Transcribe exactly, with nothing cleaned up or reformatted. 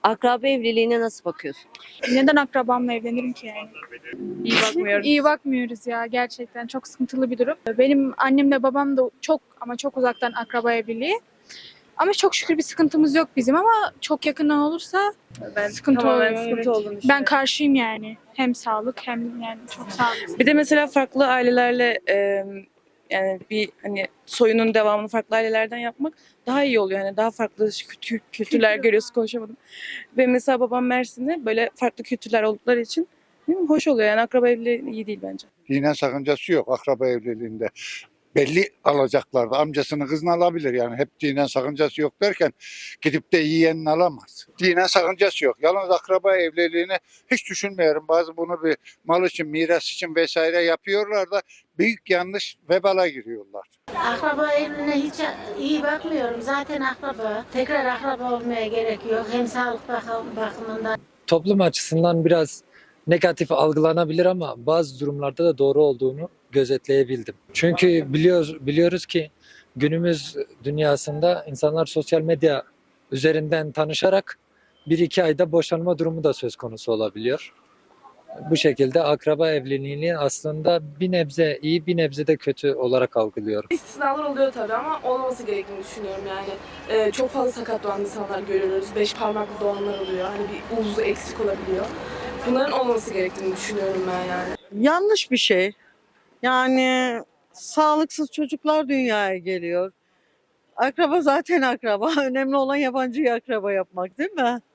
Akraba evliliğine nasıl bakıyorsun? Neden akrabamla evlenirim ki yani? İyi bakmıyoruz. İyi bakmıyoruz ya, gerçekten çok sıkıntılı bir durum. Benim annemle babam da çok ama çok uzaktan akraba evliliği. Ama çok şükür bir sıkıntımız yok bizim, ama çok yakından olursa Ben sıkıntı tamamen oluyor. sıkıntı evet. olduğunu Ben düşünüyorum. karşıyım yani. Hem sağlık hem yani çok sağlık. Bir de mesela farklı ailelerle e, yani bir hani soyunun devamını farklı ailelerden yapmak daha iyi oluyor. Yani daha farklı kü- kültürler görüyorsun, konuşamadım. Ve mesela babam Mersin'de böyle farklı kültürler oldukları için değil mi? Hoş oluyor. Yani akraba evliliği iyi değil bence. Dinen sakıncası yok akraba evliliğinde. Belli alacaklardı. Amcasının kızını alabilir yani. Hep dinen sakıncası yok derken gidip de yeğenini alamaz. Dinen sakıncası yok. Yalnız akraba evliliğini hiç düşünmüyorum. Bazı bunu bir mal için, miras için vesaire yapıyorlar da büyük yanlış vebala giriyorlar. Akraba evliliğine hiç iyi bakmıyorum. Zaten akraba. Tekrar akraba olmaya gerek yok. Hem sağlık bakım, bakımından. Toplum açısından biraz negatif algılanabilir ama bazı durumlarda da doğru olduğunu gözetleyebildim. Çünkü biliyoruz biliyoruz ki günümüz dünyasında insanlar sosyal medya üzerinden tanışarak bir iki ayda boşanma durumu da söz konusu olabiliyor. Bu şekilde akraba evliliğini aslında bir nebze iyi bir nebze de kötü olarak algılıyorum. İstisnalar oluyor tabii ama olmaması gerektiğini düşünüyorum yani. Ee, çok fazla sakat doğan insanlar görüyoruz. Beş parmaklı doğanlar oluyor. Hani bir uvuzu eksik olabiliyor. Bunların olmaması gerektiğini düşünüyorum ben yani. Yanlış bir şey. Yani sağlıksız çocuklar dünyaya geliyor. Akraba zaten akraba. Önemli olan yabancıyı akraba yapmak, değil mi?